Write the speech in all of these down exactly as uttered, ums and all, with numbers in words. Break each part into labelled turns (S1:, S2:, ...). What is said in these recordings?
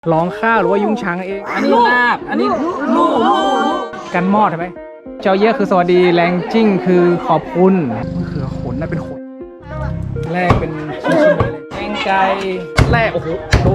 S1: ร้องข้าวหรือว่ายุ้งช้างเองอันนี้ลาบอันนี้ลูกกันมอดใช่ไหมเจ้าเย่คือสวัสดีแรงจิ้งคือขอบคุณมะเขือขนน่าเป็นขนแรกเป็นชิ้นๆเลยแกงไก่แรกโอ้โหลุก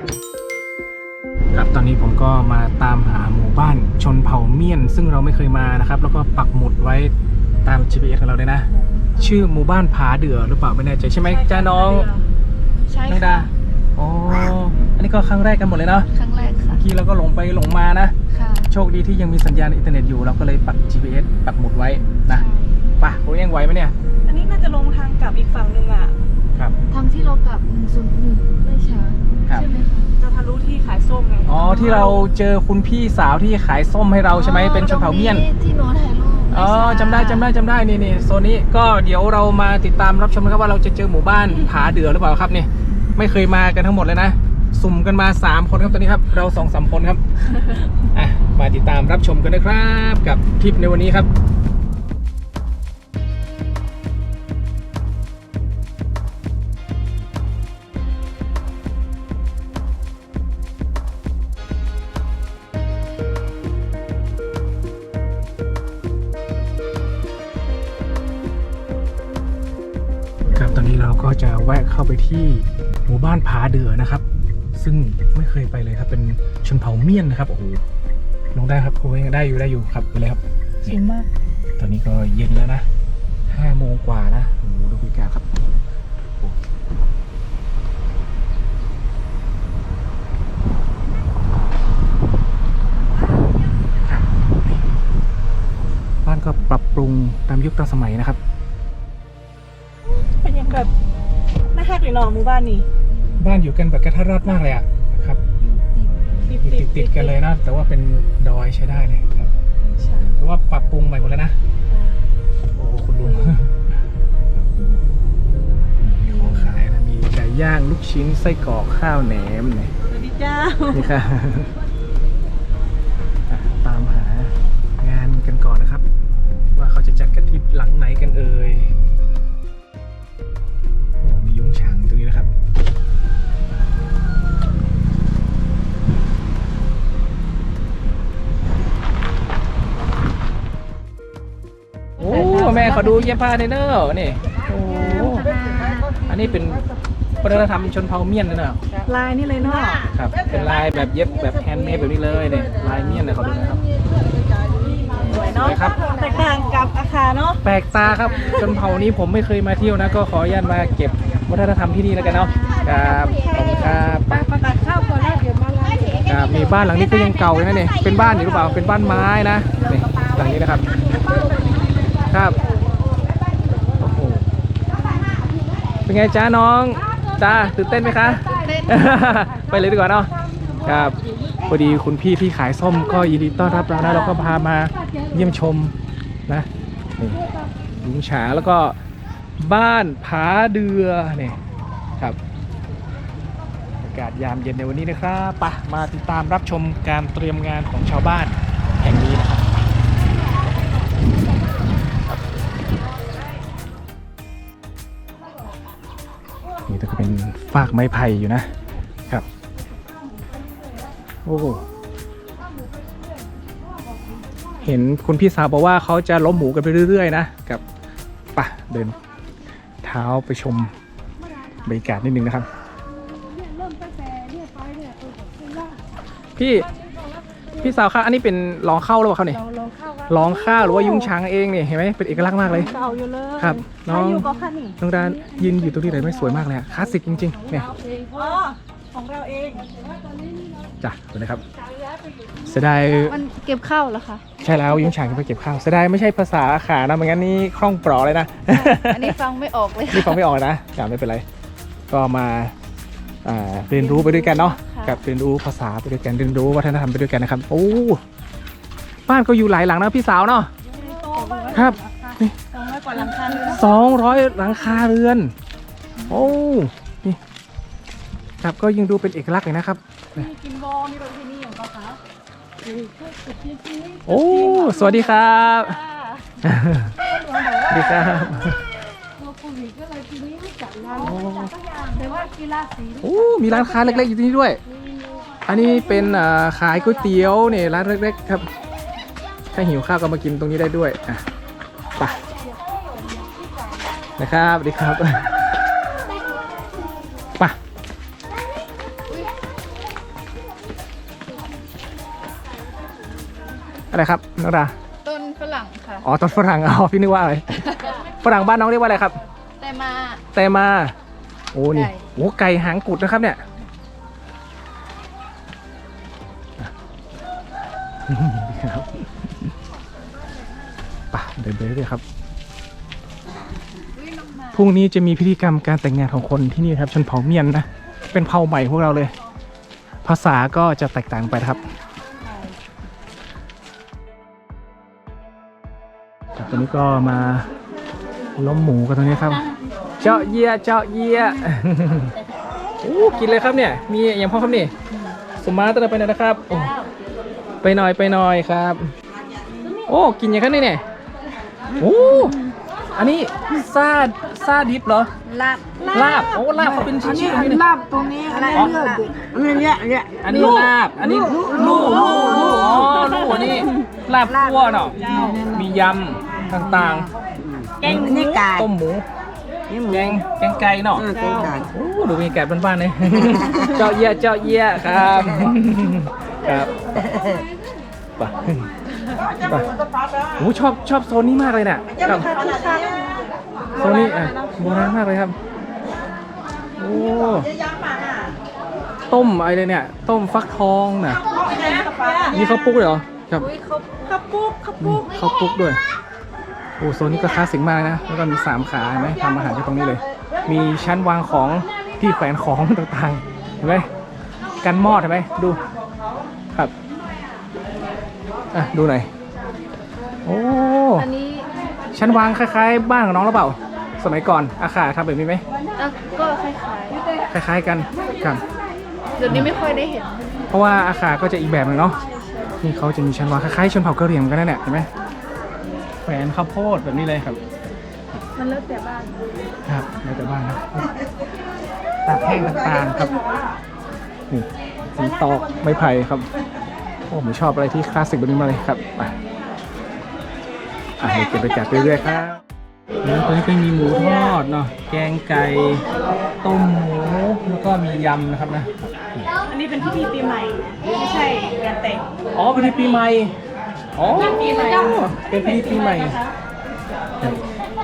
S1: ครับตอนนี้ผมก็มาตามหาหมู่บ้านชนเผ่าเมียนซึ่งเราไม่เคยมานะครับแล้วก็ปักหมุดไว้ตาม จี พี เอส ของเราเลยนะชื่อหมู่บ้านผาเดือหรือเปล่าไม่แน่ใจใช่ไหมจ้าน้อง
S2: ใช่
S1: น้องดาอ๋ออันนี้ก็ครั้งแรกกันหมดเลยเนาะ
S2: ครั้งแรกค่ะ
S1: เมื่อกี้เราก็หลงไปหลงมานะ
S2: ค่ะ
S1: โชคดีที่ยังมีสัญญาณอินเทอร์เน็ตอยู่เราก็เลยปัก จี พี เอส ปักหมุดไว้นะป่ะโอ้ยังไหวไหมเนี่ย
S3: อันนี้น่าจะลงทางกลับอีกฝั่งหนึ่งอ่ะ
S1: ครับ
S2: ทางที่เรากลับหนึ่งศูนย์หนึ่งไม่ช้าใช่ไหมคะ
S3: จะทะลุที่ขายส้มไง
S1: อ๋อที่เราเจอคุณพี่สาวที่ขายส้มให้เราใช่ไหมเป็นชนเผ่าเมียน
S2: ที่โน้ตถ่ายรูป
S1: อ๋อจำได้จำได้จำได้นี่นี่โซนนี้ก็เดี๋ยวเรามาติดตามรับชมนะครับว่าเราจะเจอหมู่บ้านผาเดือหรือเปล่าครับนี่ไม่เคยมากันทั้งหมดเลยนะสุ่มกันมาสามคนครับตอนนี้ครับเราสองสามคนครับ อ่ะมาติดตามรับชมกันนะครับกับทริปในวันนี้ครับครับตอนนี้เราก็จะแวะเข้าไปที่หมู่บ้านผาเดือนะครับซึ่งไม่เคยไปเลยครับเป็นชนเผ่าเมียนนะครับโอ้โหลงได้ครับโอ้ยได้อยู่ได้อยู่ครับไปเลยครับ
S2: สูงมาก
S1: ตอนนี้ก็เย็นแล้วนะห้าโมงกว่านะโอ้โหดูบรรยากาศครับบ้านก็ปรับปรุงตามยุคตามสมัยนะครับ
S3: เป็นยังแบบน่าฮักเลยเนาะหมู่บ้านนี้
S1: บ้านอยู่กันแบบกระทัดรัดมากเลยอ่ะครับติดติดติดกันเลยนะแต่ว่าเป็นดอยใช้ได้เลยครับแต่ว่าปรับปรุงใหม่หมดแล้วนะโอ้คุณลุงมีของขายนะมีไก่ย่างลูกชิ้นไส้กรอกข้าวแหนมเนี่ย
S3: สวัสดีเจ้า
S1: นี่ค่ะตามหางานกันก่อนนะครับว่าเขาจะจัดกันที่หลังไหนกันเอ่ยโอ้มียุ้งฉางตรงนี้นะครับโอ้แม่ขอดูเย็บผ้าเนอร์นี่โอ้อันนี้เป็นวัฒนธรรมชนเผ่าเมียนนะเนอะ
S3: ลายนี่เลยเนาะ
S1: ครับเป็นลายแบบเย็บแบบแฮนด์เมดแบบนี้เลยเนี่ยลายเมียนเลยขอดูนะครับ
S3: สวยเนาะแตกต่างกับอาคารเนาะ
S1: แปลกตาครับชนเผ่านี้ผมไม่เคยมาเที่ยวนะก็ขออนุญาตมาเก็บวัฒนธรรมที่นี่แล้วกันเนาะครับขอบคุณครับ
S3: ประกาศข้าวก่อนแล้วเดี๋ยวมาไล่
S1: ครับมีบ้านหลังนี้ก็ยังเก่าเลยนะเนี่ยเป็นบ้านอยู่หรือเปล่าเป็นบ้านไม้นะนี่หลังนี้นะครับครับโอ้โหเป็นไงจ้าน้องจ้าตื่นเต้นไหมคะไปเลยดีกว่าเนาะครับพอดีคุณพี่ที่ขายส้มก็ยินดีต้อนรับเรานะเราก็พามาเยี่ยมชมนะนี่ลุงฉาแล้วก็บ้านผาเดือเนี่ยครับอากาศยามเย็นในวันนี้นะครับไปมาติดตามรับชมการเตรียมงานของชาวบ้านแห่งนี้นะครับนี่ก็เป็นฟากไม้ไผ่อยู่นะครับโอ้เห็นคุณพี่สาวบอกว่าเขาจะล้มหมูกันไปเรื่อยๆนะกับป่ะเดินเท้าไปชมบรรยากาศนิดนึงนะครับพี่พี่สาวครับอันนี้เป็นลองเข้าหรือเปล่าเขาเนี่ยลองข้าวหรือว่ายุ้งช้างเองเนี่ยเห็นไหมเป็นเอกลักษณ์มากเลย
S3: เก่าอยู่เลย
S1: ครับน้องน้องดานยืนอยู่ตรงนี้เลยไม่สวยมากเลยคลาสสิกจริงๆเนี่ย
S3: อ๋อของเราเอง
S1: จ้ะดูนะครับเสียดาย
S2: มันเก็บข้าวเหรอคะ
S1: ใช่แล้วยุ้งฉางไปเก็บข้าวเสียดายไม่ใช่ภาษาอาขานะไม่งั้นนี่คล่องปลอเลยนะ
S2: อันนี้ฟังไม่ออกเลย
S1: นี่ฟังไม่ออกนะอย่าไม่เป็นไรก็มาเรียนรู้ไปด้วยกันเนาะกับเรียนรู้ภาษาไปด้วยกันเรียนรู้วัฒนธรรมไปด้วยกันนะครับโอ้บ้านก็อยู่หลายหลังนะพี่สาวเนาะครับนี่
S3: สองร้อยกว่าหลังคา
S1: สองร้อยหลังคาเรือนโอ้นี่ครับก็ยังดูเป็นเอกลักษณ์เลยนะครับ
S3: กินบอนี่เราที่นี่ของเขาคะ
S1: โอ้สวัสดีครับสวัสดีครับโอ้มีร้านค้าเล็กๆอยู่ที่นี่ด้วยอันนี้เป็นอ่าขายก๋วยเตี๋ยวเนี่ยร้านเล็กๆครับถ้าหิวข้าวก็มากินตรงนี้ได้ด้วยอ่ะไปนะครับสวัสดีครับไปอะไรครับน้องดา
S2: ต้นฝรั่งค่ะ
S1: อ๋อต้นฝรั่งอ๋อพี่นึกว่าอะไร ฝรั่งบ้านน้องเรียกว่าอะไรครับ
S2: แต่มา
S1: แต่มาโอ้นี่
S2: ไก่
S1: โอ้ไก่หางกุดนะครับเนี่ยครับป่ะเดินไปเรื่อยๆครับพรุ่งนี้จะมีพิธีกรรมการแต่งงานของคนที่นี่ครับชนเผ่าเมียนนะเป็นเผ่าใหม่พวกเราเลย ภาษาก็จะแตกต่างไปนะครับตอนนี้ก็มาล้มหมูกันตรงนี้ครับเจาะเยียเจาะเยียโอ้กินเลยครับเนี่ยมีอย่างพ่อครับนี่สมมาตระไปหน่อยนะครับโอ้ไปหน่อยไปหน่อยครับ โอ้กินอย่างนี้เนี่ยโอ้อันนี้ซาซาดิบเหรอ
S2: ลาบ
S1: ลาบโอ้ลาบเขาเป็นชิ้นๆอย่างนี้นะ
S3: ลาบตรงนี้อะไรเลือดอันนี้เนี่ยเนี่ย
S1: อันนี้ลาบอันนี้ลูกลูกลูกอ๋อลูกอันนี้ลาบคั่วเนาะมียำต่างๆ
S3: แกงนี่ไก่
S1: ต้มหมู
S3: นี่หมู
S1: แกงแกงไก่เนาะ
S3: เออแกงไก่
S1: โอ้ดูมีแกะบ้านๆเลย เจาะเยี่ยเจาะเยี่ยครับครับไปไปโอ้ชอบชอบโซนนี้มากเลยเนี่ยครับโซนนี้อ่ะโบราณมากเลยครับโอ้ต้มอะไรเนี่ยต้มฟักทองน่ะนี่ข้าวปุ๊กเลยเหรอครับ
S3: ข้าวปุ๊กข้าวปุ๊ก
S1: ข้าวปุ๊กด้วยโอ้โซนนี้ก็คลาสสิกมากนะแล้วก็มีสามขาเห็นไหมทำอาหารที่ตรงนี้เลย มีชั้นวางของที่แขวนของต่างๆเห็นไหมกันมอดเห็นไหมดูครับอ่ะดูหน่อยโอ้
S2: อันนี้
S1: ชั้นวางคล้ายๆบ้านของน้องหรือเปล่าสมัยก่อนอาคาทำแบบนี้ไหม
S2: อ่ะก็คล้าย
S1: คล้ายๆกันครับ
S2: ๆเดี๋ยวนี้ไม่ค่อยได้เห็น
S1: เพราะว่าอาคาก็จะอีกแบบหนึงเนาะนี่เขาจะมีชั้นวางคล้ายๆชนเผ่ากะเหรี่ยงเหมือนกันนั่นแหละเห็นไหมแขวนข้าวโพดแบบนี้เลยครับ
S2: มันแล้วแต่บ้าน
S1: ครับแล้วแต่บ้านนะตากแห้งต่างๆครับนี่สีตอกไม้ไผ่ครับโอ้ผมชอบอะไรที่คลาสสิกแบบนี้มากเลยครับไปอ่ะเดี๋ยวเก็บไปแกะไปเรื่อยๆครับแล้วตอนนี้ก็มีหมูทอดเนาะแกงไก่ต้มหมูแล้วก็มียำนะครับนะ
S3: อันนี้เป็นพิธีปีใหม่ไม่ใช่งานแต่ง
S1: อ๋อเป็นพิธีปีใหม่อ๋อเป็นพิธีปีใหม่ครับ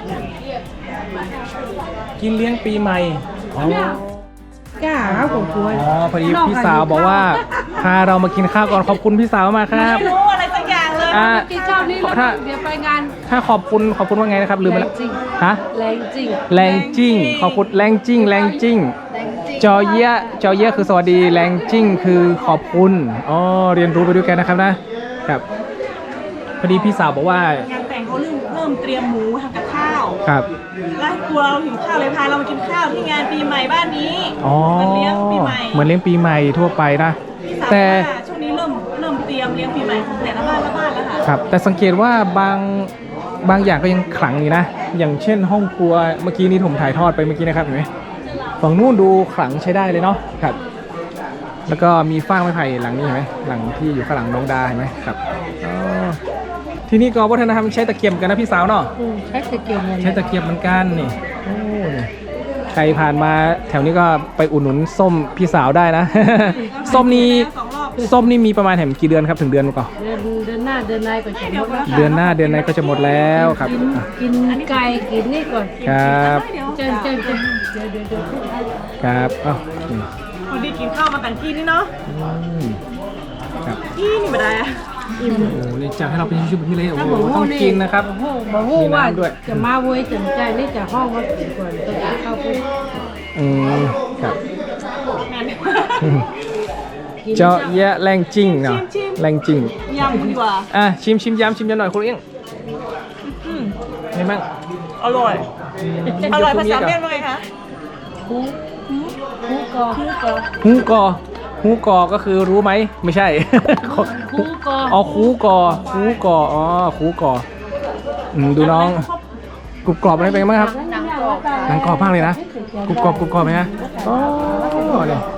S1: กินเลี้ยงปีใหม่อ๋อ
S3: ก้าครับผมกลัว
S1: อ๋อพอดีพี่สาวบอกว่าพาเรามากินข้าวก่อนขอบคุณพี่สาวมากครับ
S3: ไม่รู้อะไรสักอย่างเลย
S1: อ่า
S2: กินข้าวนี่แล้ว
S1: ถ้า
S2: เดี๋ยวไปงาน
S1: ถ้าขอบคุณขอบคุณว่าไงนะครับลืมไปแล้ว
S2: แรงจริง
S1: ฮะ
S2: แรงจริง
S1: แรงจิ้งขอบคุณแรงจิ้งแรงจิ้ง
S2: แรงจริง
S1: จอเยี่ยจอเยี่ยคือสวัสดีแรงจิ้งคือขอบคุณอ๋อเรียนรู้ไปด้วยกันนะครับนะครับพอดีพี่สาวบอกว่าง
S3: านแต่งเขาเริ่มเริ่มเตรียมหมูทำกับข้าว
S1: ครับ
S3: แล้วกลัวเราหิวข้าวเลยพาเรามากินข้าวที่งานปีใหม่บ้านนี้
S1: อ๋อ
S3: มันเลี้ยงปีใหม่
S1: เหมือนเลี้ยงปีใหม่ทั่วไปนะ
S3: พี่สาว
S1: แต่
S3: ว่าช่วงนี้เริ่มเริ่มเตรียมเลี้ยงปีใหม่ของแต่ละบ้านละบ้านแล้วค่ะ
S1: ครับแต่สังเกตว่าบางบางอย่างก็ยังขลังอยู่นะ อย่างเช่นห้องครัวเมื่อกี้นี้ผมถ่ายทอดไปเมื่อกี้นะครับเห็นไหมฝั่งนู้นดูขลังใช้ได้เลยเนาะครับ แล้วก็มีฟางไม้ไผ่หลังนี้เห็นไหมหลังที่อยู่ข้างหลังน้องดาเห็นไหมครับอ๋อที่นี่ก็วัฒนธรรมใช้ตะเกียบกันนะพี่สาวเนาะ
S2: ใช้ตะเกียบ
S1: ใช้ตะเกียบเหมือนกันนี่โอ้นี่ใครผ่านมาแถวนี้ก็ไปอุดหนุนส้มพี่สาวได้นะ ส้มนี้
S3: สองรอบ
S1: ส้มนี่มีประมาณแถมกี่เดือนครับถึงเดือนก่อน
S2: เดือนเดือนหน้าเดือนในก็จะหมดแล้ว
S1: เดือนหน้าเดือนไหนก็จะหมดแล้วครับ
S2: กิน
S1: อ่ะ
S2: กินไก่กินนี่ก่อน
S1: ครับ
S3: เดี๋ยว
S2: เจนเจนเจนเดี๋ยวเดี๋ยวเดี๋ยว
S1: ครับอ้าวนี่
S3: พอดีกินข้าวมาแต่งที่นี่เนาะ
S1: อืมครับ
S3: ที่นี่ไม่ได้อะ
S1: โอ้โหนี่จัดให้เราเป็นชุดแบบนี้เลยโอ้
S2: ถ้า
S1: โห
S2: บอก
S1: ต้องกินนะครับ
S2: โอ้โหบอกว่าว่า
S1: มีน้ำด้วย
S2: จะมาเว้ยจนใจนี่จะห้องว่ากินก่อนต้องกินข้าวปุ๊บ
S1: อืมครับ
S3: งาน
S1: อืมเจาะแยะแรงจริงเนาะ
S3: ชิมๆ
S1: แรงจริง
S3: ยำดีกว่า
S1: อ่ะชิมชิมยำชิมยำหน่อยคุณเอี้ยง
S3: อืม
S1: ไงบ้าง
S3: อร่อย อร่อยภาษาเมียนว่าไงคะ
S2: คูคูกอ
S3: คูกอ
S1: ฮูกอฮูกอก็คือรู้ไหมไม่ใช่
S2: คูกอ
S1: อ๋อคูกอคูกออ๋อคูกออืมดูน้องกรุบกรอบอะไรเป็นไงบ้างครับ
S2: หนังกรอบ
S1: หนังกรอบมากเลยนะกรุบกรอบกรุบกรอบไหมนะอ๋อเนี่ย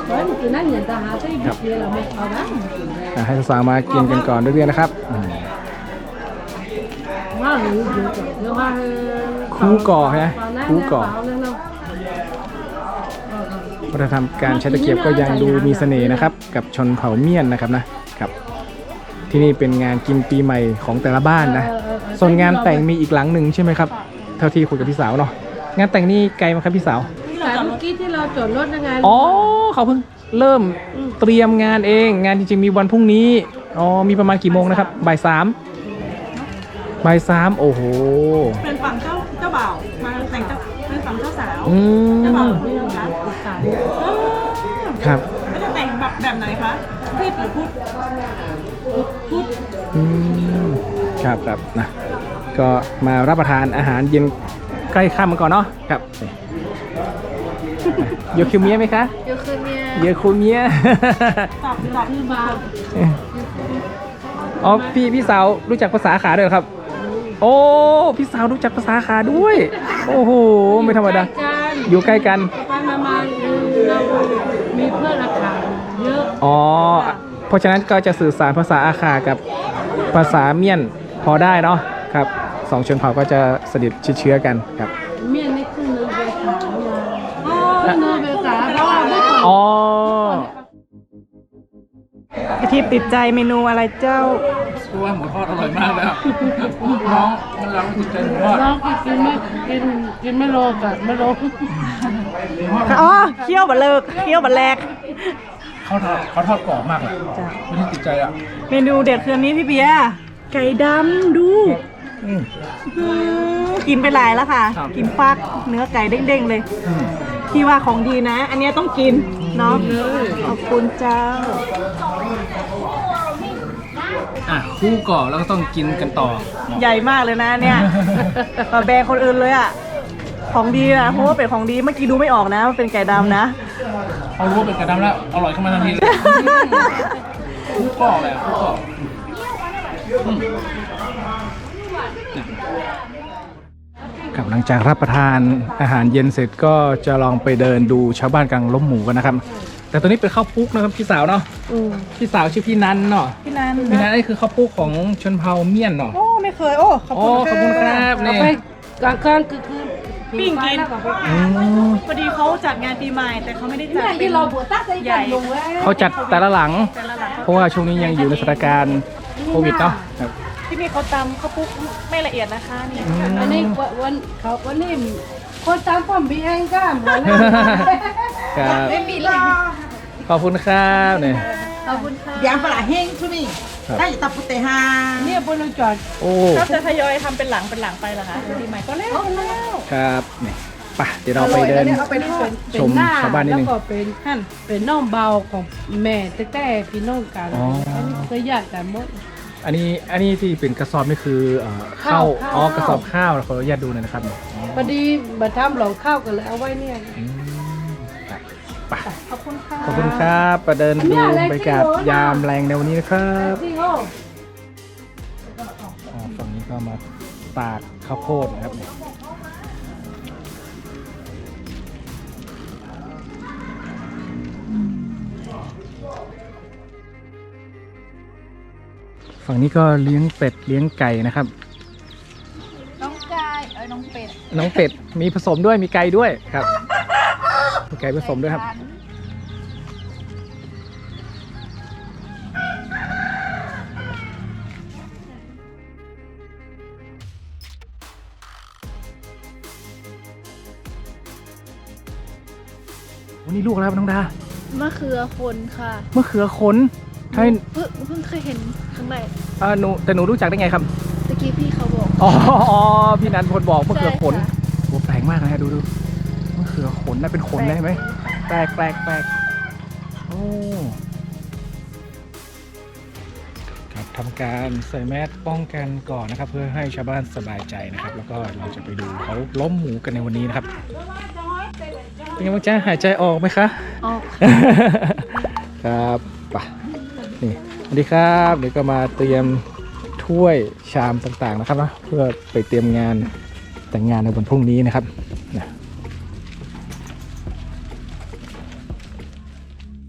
S1: ครับอ่ะให้สาวๆมากินกันก่อนเรื่อยๆนะครับอืมคูก่อใช่ไหมคูก่อวัฒนธรรมการใช้ตะเกียบก็ยังดูมีเสน่ห์นะครับกับชนเผ่าเมียนนะครับนะครับที่นี่เป็นงานกินปีใหม่ของแต่ละบ้านนะส่วนงานแต่งมีอีกหลังหนึ่งใช่ไหมครับเท่าที่คุยกับพี่สาวเนาะงานแต่งนี่ไกลไหมครับพี่สาว
S2: แต่เมื่อกี้ที่เราจอดรถยังไง
S1: อ๋อเขาเพิ่งเริ่มเตรียมงานเองงานจริงๆมีวันพรุ่งนี้อ๋อมีประมาณกี่โมงนะครับบ่ายสามบ่ายสามโอ้โห
S3: เป็นฝั่งเจ้าเจ้าบ่าวมาแต่งเจ้าเป็นฝั่งเจ้าสาว
S1: อืม
S3: เจ้าบ่าวไม่รู้คะ
S1: ครับ
S3: ไม่จะแต่งแบบแบบไหนคะรีบหรือพุทธพุทธ
S1: อืมครับครับนะก็มารับประทานอาหารเย็นใกล้ค่ำกันก่อนเนาะครับโยคิวเมียไหมคะ
S2: โยคือเมีย
S1: โยคิวเมีย
S3: ตอบตอบ
S2: คือบา
S1: อ๋อพี่พี่สาวรู้จักภาษาขาด้วยเหรอครับ โอ้พี่สาวรู้จักภาษาขาด้วย โอ้โหไม่ธรรมดาอยู่ใกล้กัน
S2: ไปมามาเรามีเพื่อนราคาเยอะ
S1: อ๋อเพราะฉะนั้นก็จะสื่อสารภาษาอาขากับภาษาเมียนพอได้เนาะครับสองชนเผ่าก็จะสนิทชิดเชื้อกันครับ
S2: เมียนนี่คือเนื้อเบขาเนี่ยเนื้อเบขาเพราะว่าเมื่อก่อน
S1: อ๋อ
S3: กะทิติดใจเมนูอะไรเจ้า
S1: ตัวหมูทอดอร่อยมากเลยครับน้องมันเราติดใจหมูทอด
S2: น้องกินไม่กินกินไม่โลกันไม่โล
S3: อ๋อเคี่ยวบะเลิกเคี่ยวบะแลก
S1: เขาทอดเขาทอดกรอบมากเลยไม่ได้ติดใจอ่ะ
S3: เมนูเด็ดคืนนี้พี่เบียร์ไก่ดำดู
S1: อืม
S3: อืมกินไปหลายแล้วค่ะ
S1: ครับ
S3: กินฟักเนื้อไก่เด้งๆเลย
S1: อืม
S3: ที่ว่าของดีนะ อันเนี้ยต้องกินเนาะขอบคุณเจ้า
S1: อ่ะคู่ก่อนแล้วก็ต้องกินกันต่อ
S3: ใหญ่มากเลยนะเนี่ย มาแบกคนอื่นเลยอ่ะ ของดีนะเพราะว่าเป็นของดีเมื่อกี้ดูไม่ออกนะว่าเป็นไก่ดำนะ
S1: เขารู้ว่าเป็นกระดำแล้วอร่อยขึ้นมาทันทีเลยคู่ก่อเลยคู่ก่ออืมครับหลังจากรับประทานอาหารเย็นเสร็จก็จะลองไปเดินดูชาวบ้านกลางล้มหมูกันนะครับ แต่ตัวนี้เป็นข้าวปุ๊กนะครับพี่สาวเนาะพี่สาวชื่อพี่นันเนาะ
S3: พี่นัน
S1: พี่นันนี่คือข้าวปุ๊กของชนเผ่าเมียนเนาะ
S3: โอ้ไม่เคยโอ้ขอบ
S1: โอ้
S3: คุณ
S1: ขอบคุณครับ
S2: เอา
S1: นี่
S2: ไปกลางคืนคือคือ
S3: ปิ้งกิน
S1: อืม
S3: พอดีเขาจัดงานปีใหม่แต่เขาไม่ได้จัด
S2: เนี่ย
S3: เป็
S2: ที่
S3: น
S2: เราบวชตั้งใจกันลงไว้
S1: เขาจัดแต่ละหลัง
S3: แต่ละหลัง
S1: เพราะว่าช่วงนี้ยังอยู่ในสถานการณ์โควิดเนาะครับ
S3: ที่นี่เขาตำข้าวปุ๊กไม่ละเอียดนะคะนี่
S2: อันนี้วันเขาวันนี้คนตามผมพี่เองก็เหมือน
S1: ครับ
S2: ไม่มีเลย
S1: ขอบคุณครับเนี่ย
S2: ขอบคุณค่ะ
S4: Yang pala heng tu ni.
S1: ครับ
S4: Dah tak putih ha.
S2: เนี่ยบนเราจอด
S1: โอ้
S3: ก็จะทยอยทำเป็นหลังเป็นหลังไปเหรอคะปีใหม่ก็แล้วแล้ว
S1: ครับนี่ไปเดี๋ยวเราไปเดิน
S2: เอาไปทอด
S1: ชมชาวบ้านนิดนึง
S2: แล้วก็เป็น
S3: หั่น
S2: เป็นน้องเบาของแม่แต่แต่พี่น้องกัน
S1: อ๋ออั
S2: อันนี้เคยญาติกันหมด
S1: อันนี้อันนี้ที่เป็นกระสอบนี่คือเอ่อข้าว
S2: ข้าว
S1: อ๋อกระสอบข้าวขออนุญาตดูหน่อยนะครับอ๋อ
S2: พอดีบัตรทำหลงข้าวกันเลยเอาไว้เนี่ย
S1: อืมไป
S3: ขอบคุณค่ะ
S1: ขอบคุณครับไปเดินดูบรรยากาศยามแรงในวันนี้นะครับ
S2: ที่โอ้
S1: อ๋อฝั่งนี้ก็มาตากข้าวโพดนะครับฝั่งนี้ก็เลี้ยงเป็ดเลี้ยงไก่นะครับ
S2: น้องกายเอ้ยน้องเป็ด
S1: น้องเป็ดมีผสมด้วยมีไก่ด้วยครับมีไก่ผสมด้วยครับวันนี้ลูกอะไรครับน้องดาม
S5: ะเขือคนค่ะ
S1: มะเขือขนใช่
S5: เพิ่งเพิ่งเคยเห็นครั้งแรก
S1: อ่าหนูแต่หนูรู้จักได้ไงครับ
S5: ตะกี้พี่เขาบอก
S1: อ๋ออ๋อพี่นันพลบอกมะเขือขน
S5: ใช่ค่ะ
S1: โอ้แปลกมากนะฮะดูดูมะเขือขนน่าเป็นขนเลยเห็นไหมแปลกแปลกแปลกโอ้ครับทำการใส่แมสป้องกันก่อนนะครับ เพื่อให้ชาวบ้านสบายใจนะครับ แล้วก็เราจะไปดูเขาล้มหมูกันในวันนี้นะครับเป็นไงบ้างจ๊ะหายใจออกไหมคะ
S5: ออก
S1: ครับไปนี่สวัสดีครับเดี๋ยวก็มาเตรียมถ้วยชามต่างๆนะครับนะเพื่อไปเตรียมงานแต่งงานในวันพรุ่งนี้นะครับนะ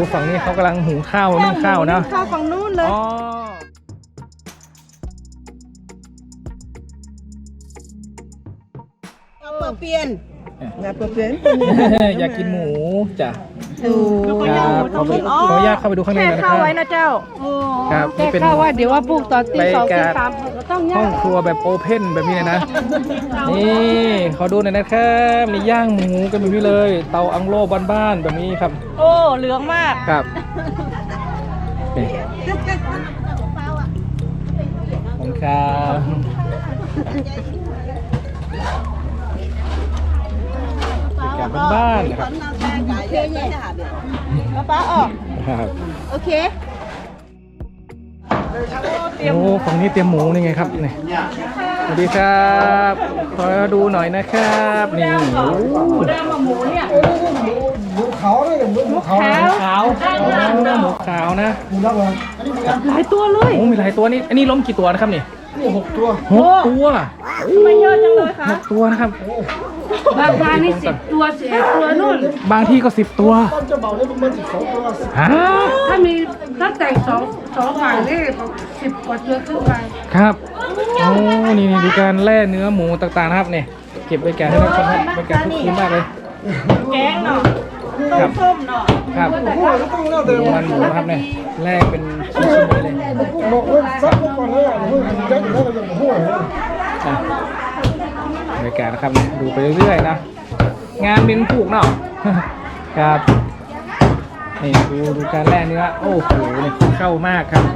S1: ฝั่งนี้เขากำลังหุงข้าวนึ่งข้าวนะ
S3: ข้าวฝั่งนู้นเลย
S1: อ๋อ
S2: เปิดเปลี่ยนงานเปิดเปลี่ยน
S1: อยากกินหมูจ้ะ
S2: ดู
S1: ครับขอไปขออนุญาตเข้าไปดูข้างใน
S3: แค่
S1: หน่อยนะค
S3: ข้า
S1: รั
S3: ว
S1: บ
S3: ไว้นะเจ้า
S1: ครับ
S2: แต่
S1: นี่เป็น
S2: ข้าวว่าเดี๋ยวว่าปลูกตอนตีสอง
S1: บรร
S2: ตี
S1: ยากาศ
S2: สามก็ต้อง
S1: ห้
S2: ย่า
S1: อง
S2: ง
S1: ครัวแบบโอเพ่นแบบนี้เลยนะ นี่ขอดูหน่อยนะครับมีย่างหมูกันแบบนี้เลย เตาอังโล่บ้านๆแบบนี้ครับ
S3: โอ้เหลืองมาก
S1: ครับนี่ขอบคุณครับบรรยากาศบ้านๆนะครับ
S3: ป้าออก
S1: ครับ
S3: โอเค
S1: โอ้ฝั่งนี้เตรียมหมูนี่ไงครับนี่สวัสดีครับขอดูหน่อยนะครับนี่โอ้หมูขาวหมูขาวหมูขาวนะ
S3: หลายตัวเลย
S1: โอ้มีหลายตัวนี่อันนี้ล้มกี่ตัวนะครับนี่หกตัวหกตัว
S3: ไม่เยอะจังเลยค่ะ
S1: หกตัวนะครับ
S2: บางบ้านนี่สิบตัวสิบเอ็ดตัวนู่น
S1: บางที่ก็สิบตัวฮะ
S2: ถ้ามีถ้าแต่งสองสองฝ่ายนี่สิบกว่าตัวขึ้นไป
S1: ครับโอ้นี่นี่ดูการแล่เนื้อหมูต่างๆนะครับเนี่ยเก็บบรรยากาศให้ท่านผู้ชมครับบรรยากาศคึกคืนมากเลย
S3: แกงเนาะ
S1: ครับ
S3: ส้มเนาะ
S1: ครับดูมันหมูนะครับเนี่ยแล่เป็นชิ้นๆเลยอ่ะบรรยากาศนะครับเนี่ยดูไปเรื่อยๆนะงานเป็นผูกเนาะ ครับนี่ดูดูการแล่เนื้อโอ้โหเนี่ยเข้ามากครับ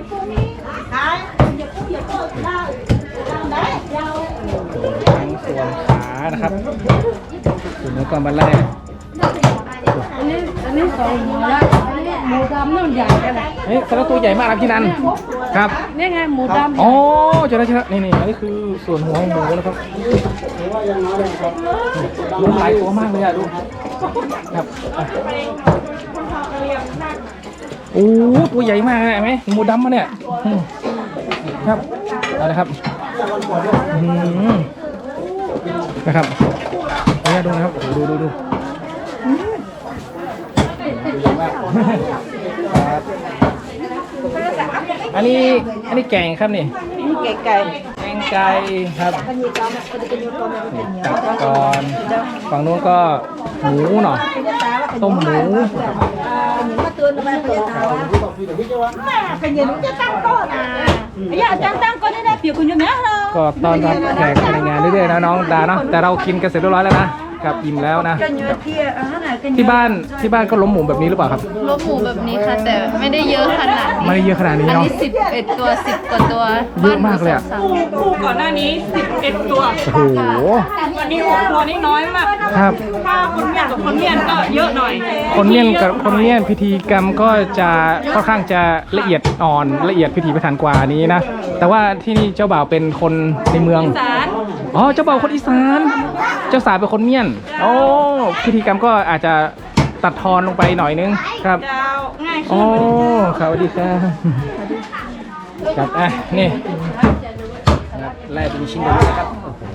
S1: ทั้งส่วนขานะครับส่วนเนื้อก่อนมาแล่
S2: อันนี้อันนี้สองหัวละหมูดำนู่นใหญ่แค่ไหน
S1: เฮ้ยแต่ละตัวใหญ่มากครับพี่นันครับ
S2: นี่ไงหมูดำ
S1: อ๋อเจอแล้วเจอแล้วนี่นี่อันนี้คือส่วนหัวของหมูนะครับดูหลายตัวมากเลยอะดูครับอ่ะโอ้ตัวใหญ่มากเลยเห็นไหมหมูดำมาเนี่ยอืมครับเอาเลยครับอืมนะครับเอาเนี่ยดูนะครับโอ้โหดูดูดูดูเยอะมากครับอันนี้อันนี้แกงครับนี่
S3: ไก่ไก่
S1: แกงไก่ครับตักก่อนฝั่งนู้นก็หมูหน่อยต้มหมูครับ
S3: cái gì cũng chắc có à bây giờ chắc tăng có đến đây biểu của nhiều nhá
S1: ก็ตอนรับแขกในงานเรื่อยๆนะน้องดาเนาะแต่เรากินกันเสร็จเรียบร้อยแล้วนะกับอิ่มแล้วนะที่บ้านที่บ้านก็ล้มหมูแบบนี้หรือเปล่าครับ
S5: ลบหมูแบบนี้ค่ะ แต่ไม่ได้เยอะขนาดนี้
S1: ไม่ได้เยอะขนาดนี้
S5: อัน
S1: เนาะ
S5: นี้สิบเอ็ดตัวสิบกว่าตัว
S1: เยอะมากเลยอะ
S5: บ้นหมูสองสาม
S3: คู่ก่อนหน้านี้สิบเอ็ดตัว
S1: โอ้โห
S3: วันนี้หกตัวนี่น้อยมาก
S1: ครับ
S3: ถ้าคนเมียนกับคนเมียนก็เยอะหน่อย
S1: คนเมียนกับคนเมียนพิธีกรรมก็จะค่อนข้างจะละเอียดอ่อนละเอียดพิถีพิถันกว่านี้นะแต่ว่าที่นี่เจ้าบ่าวเป็นคนในเมือง
S3: สาร
S1: อ๋อเจ้าบ่าวคนอีสานเจ้าสาวเป็นคนเมียนโอ้พิธีกรรมก็อาจจะตัดทอนลงไปหน่อยนึงครับ
S3: ดาวง่าย
S1: โอ้
S3: ขึ้น
S1: ครับสวัสดีครับครับอ่ะนี่ครับไล่เป็นชิ้นเดียวนะครับ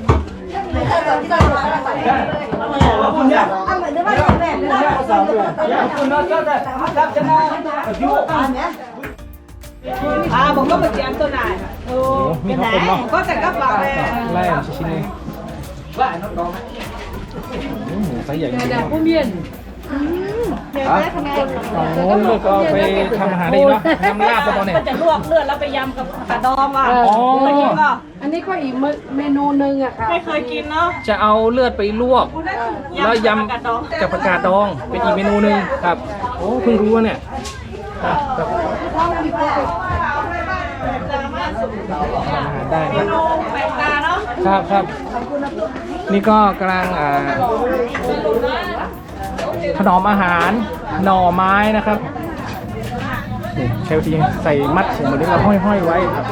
S3: อ่าผมก็มาเจียมตัวไหนโอ้
S1: โอ้มีข้าวต้มเนาะ
S3: ก็แต่ก็ปากเลย
S1: ไล่เป็นชิ้นๆนี้โอ้หมูไซส์ใหญ่จริงๆ
S2: ผู้เมียน
S1: โอ้เลือกก็เอาไปทำอาหารได้เนาะทำลาบแล้วตอนนี้
S3: ก็จะลวกเลือดแล้วไปยำกับกระดองอ่ะ
S1: อ๋อ
S3: เคยกินก็
S2: อันนี้ก็อีกเมนูหนึ่งอะค่ะ
S3: ไม่เคยกินเนาะ
S1: จะเอาเลือดไปลวก แล้วยำ
S3: กระดอง
S1: กับผักกาดดองเป็นอีกเมนูหนึ่งครับ โอ้เพิ่งรู้ว่าเนี่ยครับครับทำอาหารได้นะ
S3: แปลกตาเนาะ
S1: ครับครับนี่ก็กำลังอ่าถนอมอาหารหน่อไม้นะครับนี่ใช้วิธีใส่มัดถุงมือแล้วห้อยๆไว้ครับ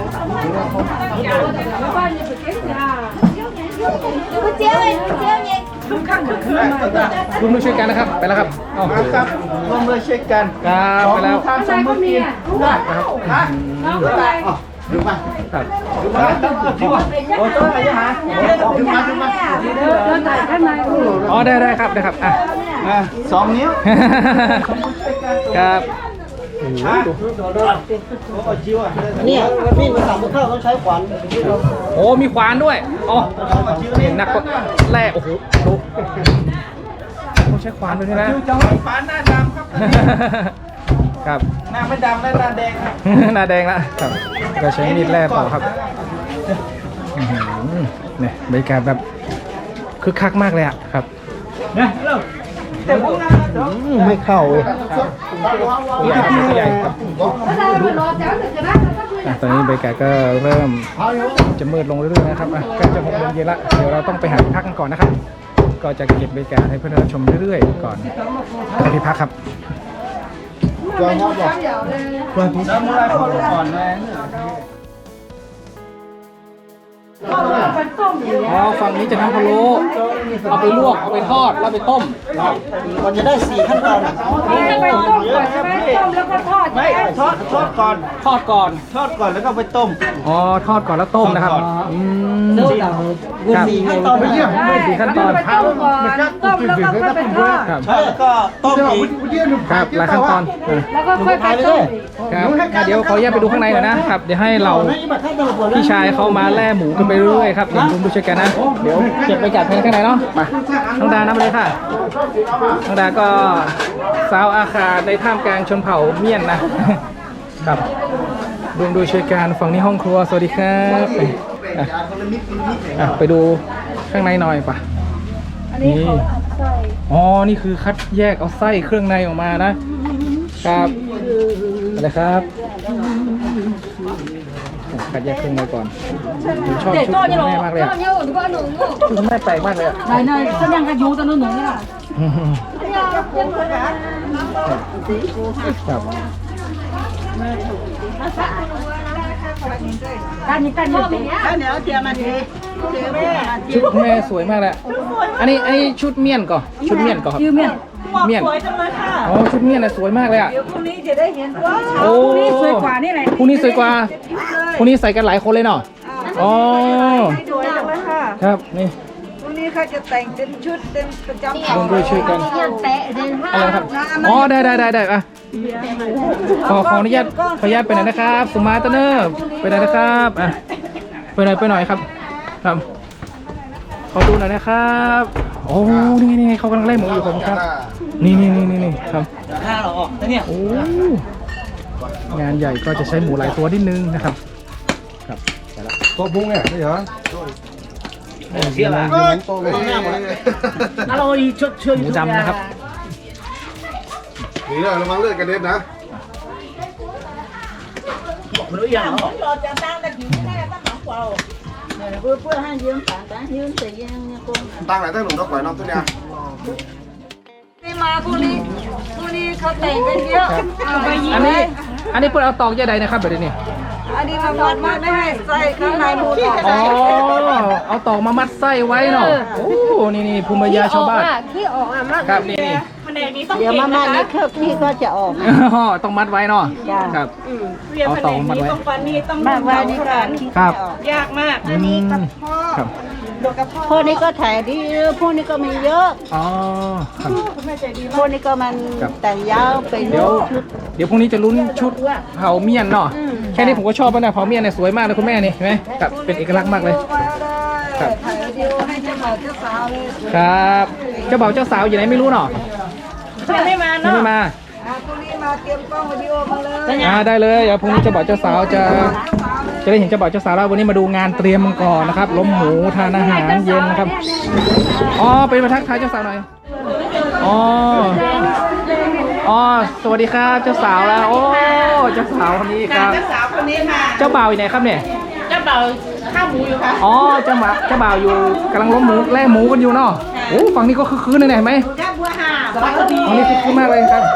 S1: ร่วมด้วยช่วยกันนะครับไปแล้วครับเอาครับ
S4: ร่วมด้วยช่วยกัน
S1: ครับไปแล้ว
S4: ทางสองมือกินได้
S1: ครับ
S4: ดูมา
S1: ครับ
S4: ดูมาโอ้ตัวอะไรฮะดูมาดูมา
S2: เราถ่ายข้างใน
S1: อ๋อได้ได้ครับได้ครับอ่ะ
S4: อ่ะสองนิ้ว
S1: ครับโอ้โหดู
S4: เนี่ยมีดมันสั่งเข้าต้องใช้ขวาน
S1: โอ้มีขวานด้วยอ๋อเห็นนักก็แร่โอ้โหดูต้องใช้ขวานด้วยใช่ไหม
S4: จังหวะปานหน้าดำครับ
S1: ครับ
S4: หน้าไม่ดำและหน้าแดงครับ
S1: หน้าแดงละครับเราใช้มีดแร่ต่อครับอื้อหือเนี่ยบรรยากาศแบบคึกคักมากเลยอ่ะครับ
S4: ไม่เข้าเลย
S1: ตัวใหญ่ครับตัวใหญ่ครับอ่ะตอนนี้บรรยากาศก็เริ่มจะมืดลงเรื่อยๆนะครับอ่ะใกล้จะหกโมงเย็นละเดี๋ยวเราต้องไปหาที่พักกันก่อนนะครับ ก็จะเก็บบรรยากาศให้เพื่อนๆชมเรื่อยๆก่อนไปที่พักครับ
S4: ตัวเขาบอกตัวพี่สมุไรพ่อลูกอ่อนแม่
S1: อ๋อฝั่งนี้จะทำพะโล้เอาไปลวกเอาไปทอดแล้วไปต้ม
S4: มันจะได้สี่ขั้นตอน
S2: ไปต้มก่อนใช่ไหมต้มแล้วก็ทอด
S4: ไม่ทอดทอดก่อน
S1: ทอดก่อน
S4: ทอดก่อนแล้วก็ไปต้ม
S1: อ๋อทอดก่อนแล้วต้มนะครับอืมครับ
S4: สี่ขั้นตอนไม่เยี่ยม
S1: สี่ขั้นตอน
S2: ไปต้มก่อนต้มแล้วก็ค่อยไปทอด
S1: ครับ
S4: แล้วก็ต้มอีก
S1: ครับหลายขั้นตอนอ่ะ
S2: แล้วก็ค่อยไปต้ม
S1: ครับอ่ะเดี๋ยวขอแยกไปดูข้างในหน่อยนะครับ เดี๋ยวให้เราพี่ชายเขามาแล่หมูกันไปเรื่อยๆครับเดี๋ยวผมดูช่วยกันนะ เดี๋ยวเก็บไปจัดภายในข้างในเนาะมาน้องดานับเลยค่ะน้องดาก็สาวอาคาในท่ามกลางชนเผ่าเมียนนะครับดูดูช่วยกันฝั่งนี้ห้องครัวสวัสดีครับอ่ะอ่ะไปดูข้างในหน่อยป่ะนี่อ๋อนี่คือคัดแยกเอาไส้เครื่องในออกมานะครับอะไรครับคัดแยกเครื่องในก่อนผมชอบชุดคุณแม่มากเลยอะชุดคุณแม่แปลกมากเลยอะ
S2: ไหนไหนก็ยังกระยูตอนนู้นหนูนี่ล่ะ
S1: อืมครับ
S2: การนี้การนี้
S3: ข้าวเหนียวเทียมมันดีเทียมแม่
S1: ชุดคุณแม่สวยมากเลยอะอันนี้ไอนนี้ชุดเมียนก่อนชุดเมียนก่อนครับ
S2: ยืมเนี่ย
S3: บอกสวยจังเลยค่ะ
S1: อ๋อชุดเมียนน่ะสวยมากเลยอะ
S3: เดี๋ยวพรุ่งนี้จะได้เห็นว่า
S1: โอ้
S2: นี่สวยกว่านี่แหละ
S1: พรุ่งนี้สวยกว่าพรุ่งนี้ใส่กันหลายคนเลยเนาะอ๋อ
S3: สวยจังเลยค่ะ
S1: ครับนี่
S3: พรุ่งนี้เขาจะแต่งเป็นชุดเป็นประจำ
S1: ลงด้วยช่วยกันอะไรครับอ๋อได้ได้ได้ได้อะขอขออนุญาตขออนุญาตไปหน่อยนะครับสุมาตเนอร์ไปหน่อยนะครับอ่ะไปหน่อยไปหน่อยครับครับขอดูหน่อยนะครับโอ้นี่นี่เขากำลังไล่หมูอยู่ผมครับนี่นี่นี่นี่นี่ครับ
S4: ห้าเราออกแล้วเนี่ย
S1: โอ้งานใหญ่ก็จะใช้หมูหลายตัวนิดนึงนะครับครับไปละ
S6: ตัวพุงเนี่ยไม่เหรอ
S4: เสียละ
S6: โตเลยหน้าหมดเลย
S4: อร่อยชดเชย
S1: หมูดำนะครับ
S6: นี่เลยระวังเลือดกระเด็นนะ
S4: มันรู้ยังเหรอ
S3: เราจะตั้งแต่ถึงแม่ตั้งหลังเราเพื่อเพื่อให้ยืมต่างต่างยืมแต่ยังเนี่ยคง
S6: ตั้งไหนตั้งหนุ่มต้องปล่อยน้องตัวเนี้ย
S3: นี่มาพรุ่งนี้พรุ่งนี้เขาแต่งกันเยอะเอาไปยิง
S1: อันนี้อันนี้เพื่อเอาตอกยาใดนะครับแบบนี้
S3: อันนี้มาวัดมาไม่ให้ใส่ข้างในหมูต่อ
S1: อ๋อเอาตอกมามัดไส้ไว้เนาะโอ้นี่นี่ภูมิปัญญาชาวบ้าน
S2: ขี้ออกอ่ะมาก
S1: ครับนี่นี่
S3: เดี๋ยวมาม่านี่เครื่องพี่ก็จะออก
S1: อ๋อต้องมัดไว้เนาะครับเอาตอกมัดไว้
S3: มาไว้นี่ก่อน
S1: ครับ
S3: ยากมาก
S1: อืมครับ
S3: พวกนี้ก็ถ่ายดีพวกนี้ก็มีเยอะ
S1: อ๋อครับ
S3: พวกนี้ก็มัน
S1: ครับ
S3: แต่งยาวเป็น
S1: เดี๋ยวเดี๋ยวพรุ่งนี้จะลุ้นชุดเผาเมียนเนาะแค่นี้ผมก็ชอบแล้วนะเผาเมียนเนี่ยสวยมากเลยคุณแม่นี่เห็นไหมครับเป็นเอกลักษณ์มากเลย ครับ
S3: ถ่ายวิดีโอให้เจ้าบ่าวเจ้าสาวเลย
S1: ครับเจ้าบ่าวเจ้าสาวอยู่ไหนไม่รู้เนาะ
S3: ยังไม่มา
S1: ยัง
S3: เนาะ
S1: ไม่มา
S3: อ่าพรุ่งนี้มาเตรียมกล้องวิดีโอมาเลย
S1: อ่าได้เลยเดี๋ยวพรุ่งนี้เจ้าบ่าวเจ้าสาวจะจะได้เห็นเจ้าบ่าวเจ้าสาวแล้ววันนี้มาดูงานเตรียมมันก่อนนะครับล้มหมูทานอาหารเย็นนะครับอ๋อเป็นมาทักทายเจ้าสาวหน่อยอ๋ออ๋อสวัสดีครับเจ้าสาวแล้วโอ้เจ้าสาวคนนี้ครับ
S3: เจ้าสาวคนนี้มา
S1: เจ้าบ่าวอยู่ไหนครับเนี่ย
S3: เจ้าบ่าวข้าวหมูอยู่ค่ะ
S1: อ๋อเจ้าบ่าวเจ้าบ่าวอยู่กำลังล้มหมูแล่หมูกันอยู่เนาะโอ้ฝั่งนี้ก็คึกคืนเลยเนี่ยเห็นไหม
S3: แค่บัวห่า
S1: ฝั่งนี้คึกคืนมากเลยครับ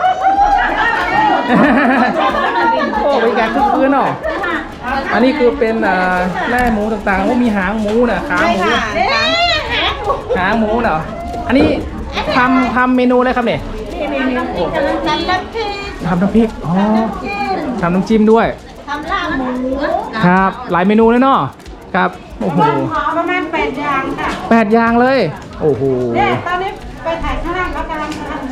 S1: โอ้บรรยากาศคึกคืนเนาะอันนี้คือเป็นอ่าแล่หมูต่างๆว่ามีหางหมูน่ะขาหมูหางหมูเนาะอันนี้ทำทำเมนูอะไรครับเนี่ยโอ้
S3: ทำน้ำพริก
S1: ทำน้ำพริกอ๋อทำน้ำจิ้มด้วย
S3: ทำลาบหมู
S1: ครับหลายเมนูเลยเนาะครับโอ้โห
S2: ประมาณแปดอย่างค่ะ
S1: แปดอย่างเลยโอ้โห
S2: เนี่ยตอนนี้ไปถ่ายข้างล่างเขากำลังทำ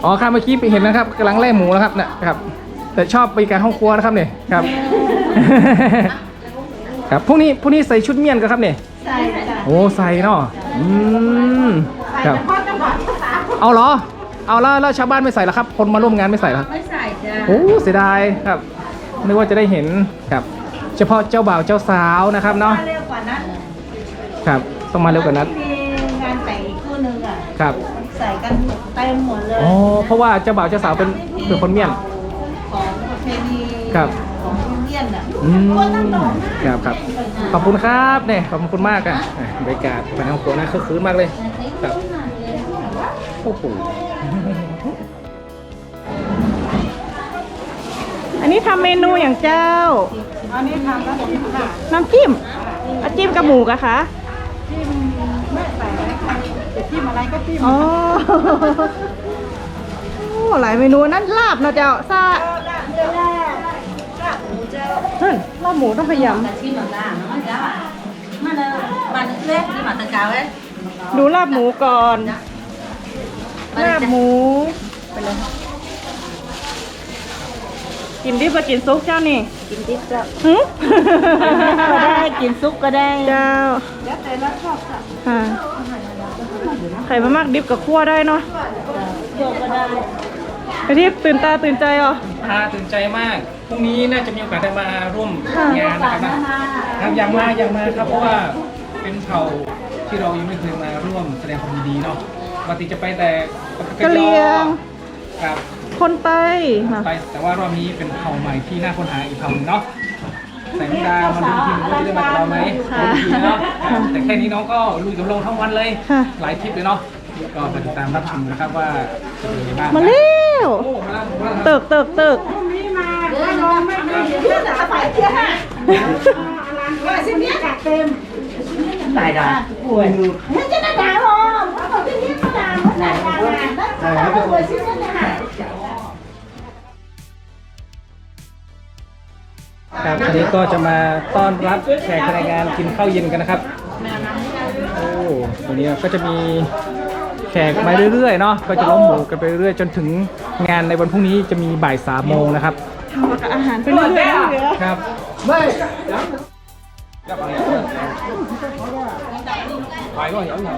S1: อ๋อครับเมื่อกี้ไปเห็นนะครับกำลังแล่หมูนะครับนะครับแต่ชอบบรรยากาศห้องครัวนะครับเนี่ยครับ ครับพวกนี้พวกนี้ใส่ชุดเมียนกันครับเนี่ยใส่โอ้ใส่เนาะอืมครับเอาเหรอเอาแล้วแล้วชาวบ้านไม่ใส่เหรอครับคนมาร่วมงานไม่ใส่เหรอไม่ใส่จ้ะโอ้เสียดายครับนึกว่าจะได้เห็นครับเฉพาะเจ้าบ่าวเจ้าสาวนะครับเนาะเร็วกว่านั้นครับต้องมาเร็วกว่านั้น
S3: มีงานแต่งอีกคู่นึงอ่ะ
S1: ครับ
S3: ใส่กันเต็มหมดเลย
S1: อ๋อเพราะว่าเจ้าบ่าวเจ้าสาวเป็นเป็นคนเมียน
S3: ของประเพณี
S1: ครับ
S3: ของเมียนอ่ะ
S1: อืมครับครับขอบคุณครับเนี่ยขอบคุณมากอ่ะบรรยากาศภายในห้องครัวน่าคึกคืนมากเลยครับโอ้โห
S3: อันนี้ทำเมนูอย่างเจ้า อันนี้ทำน้ำจิ้มค่ะน้ำจิ้มน้ำจิ้มกับหมูกะคะจิ้มไม่ใส่อะไรค่ะจะจิ้มอะไรก็จิ้มอ๋อโอ้หลายเมนูนั่นลาบเนาะเจ้าซาเฮ้ยลาบหมูต้องพยายามดูลาบหมูก่อนลาบหมูไปเลยกินดิบก็กินซุปเจ้านี่กินดิบเจ้าก็ได้กินซุปก็ได้เจ้าแล้วแต่เราชอบค่ะไข่มามากดิบกับคั่วได้เนาะคั่วก็ได้ไอทิพย์ตื่นตาตื่นใจเหรอ
S1: ตาตื่นใจมากพรุ่งนี้น่าจะมีโอกาสได้มาร่วมงานนะครับนะครับอยากมาอยากมาครับเพราะว่าเป็นเผ่าที่เรายังไม่เคยมาร่วมแสดงความยินดีเนาะปกติจะไปแต่
S3: กะเหรี่ยง
S1: ครับ
S3: คนไต้
S1: ไปแต่ว่ารอบนี้เป็นเผ่าใหม่ที่น่าค้นหาอีกเผ่าหนึงเนาะแสงดาวมาดูทีมว่าจะได้มากับเราไหมดูทีเนาะแต่แค่นี้น้องก็ลุยกับลงทั้งวันเลยหลายคลิปเลยเนาะก็ไปติดตามรับชมนะครับว่าจะเป็นยังไงบ้าง
S3: มาเร็ว
S1: โอ้มาแล้วมาแล้ว
S3: เติกเติกเติกได้ได้ป่วยไม่จะได้ด่าหรอกเขาที่นี่ก็ด่าเขาด่าด่าด่าป่วยชิ้นนั้นนะคะ
S1: ครับอันนี้ก็จะมาต้อนรับแขกในงานกินข้าวเย็นกันนะครับโอ้วันนี้ก็จะมีแขกมาเรื่อยๆเนาะก็จะล้มหมูกันไปเรื่อยๆจนถึงงานในวันพรุ่งนี้จะมีบ่ายสามโมงนะครับ
S3: ทำกับอาหารไปเรื่อยๆ
S1: ครับไม่ไปก็เหี่ยวเหี่ยว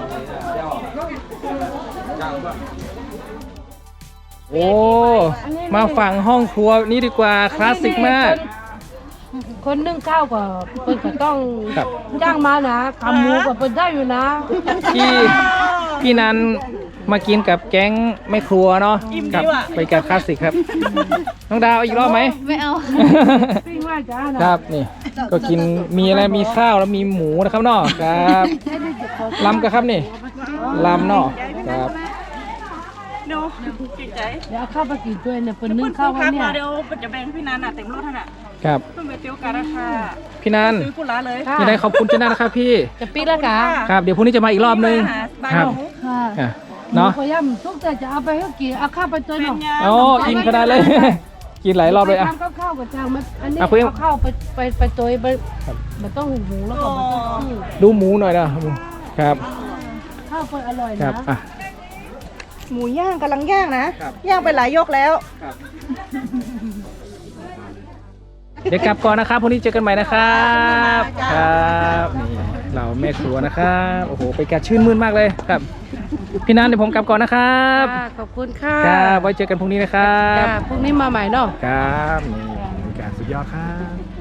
S1: โอ้มาฝั่งห้องครัวนี้ดีกว่าคลาสสิกมาก
S2: คนนึ่งข้าวก็เพิ่นก็ต้องจ้างมานะทำหมูก็เพิ่นได้อยู่นะ
S1: พี่พี่นันมากินกับแก๊งแม่ครัวเนาะกับไปกับคลาสสิกครับน้องดาวอีกรอบไหม
S5: ไม่เอา
S1: ครับนี่ก็กินมีอะไรมีข้าวแล้วมีหมูนะครับเนาะครับลำกันครับนี่ลำเนาะครับ
S3: เดี๋ยวกินใจ
S2: เดี๋ยวเอาข้าวไปกินด้วยเนี่ยเพิ่นนึ่งข้าวไว้เนี่ย
S3: เดี๋ยวจะแบ่งพี่นันน่ะเต็มรถท่านอ่ะ
S1: ครับ
S3: เพิ่งไปเตี้ยวกันราคา
S1: พี่นัน
S3: ซื้อกุหลาบเลย
S1: ยังไงขอบคุณเจ้าหน้านะครับพี่
S2: จะปีแล้วกะ
S1: ครับเดี๋ยวพรุ่งนี้จะมาอีกรอบนึงครับ
S2: ค่ะเนาะพยายามทุกแต่จะเอาไปให้กินเอาข้าวไปตัวหน่อย
S1: อ๋อกินขนาดเลยกินหลายรอบเลยอ่ะ
S2: ทำกับข้าวกับจางมันอันนี้เอาข้าวไปไปไปตัวไปมันต้องหูหมูแล้วก็มันต้องชื่อ
S1: ดูหมูหน่อยนะครับ
S2: ข้าวเปิดอร่อยนะ
S3: หมูย่างกำลังย่างนะย่างไปหลายยกแล้ว
S1: เดี๋ยวกลับก่อนนะครับพรุ่งนี้เจอกันใหม่นะครับครับนี่เราแม่ครัวนะครับโอ้โหไปกัดชื่นมื่นมากเลยครับพี่นันเดี๋ยวผมกลับก่อนนะครับ
S2: ขอบคุณค่ะ
S1: ครับไว้เจอกันพรุ่งนี้นะครับ
S2: พรุ่งนี้มาใหม่เนาะ
S1: ครับนี่บรรยากาศสุดยอดครับ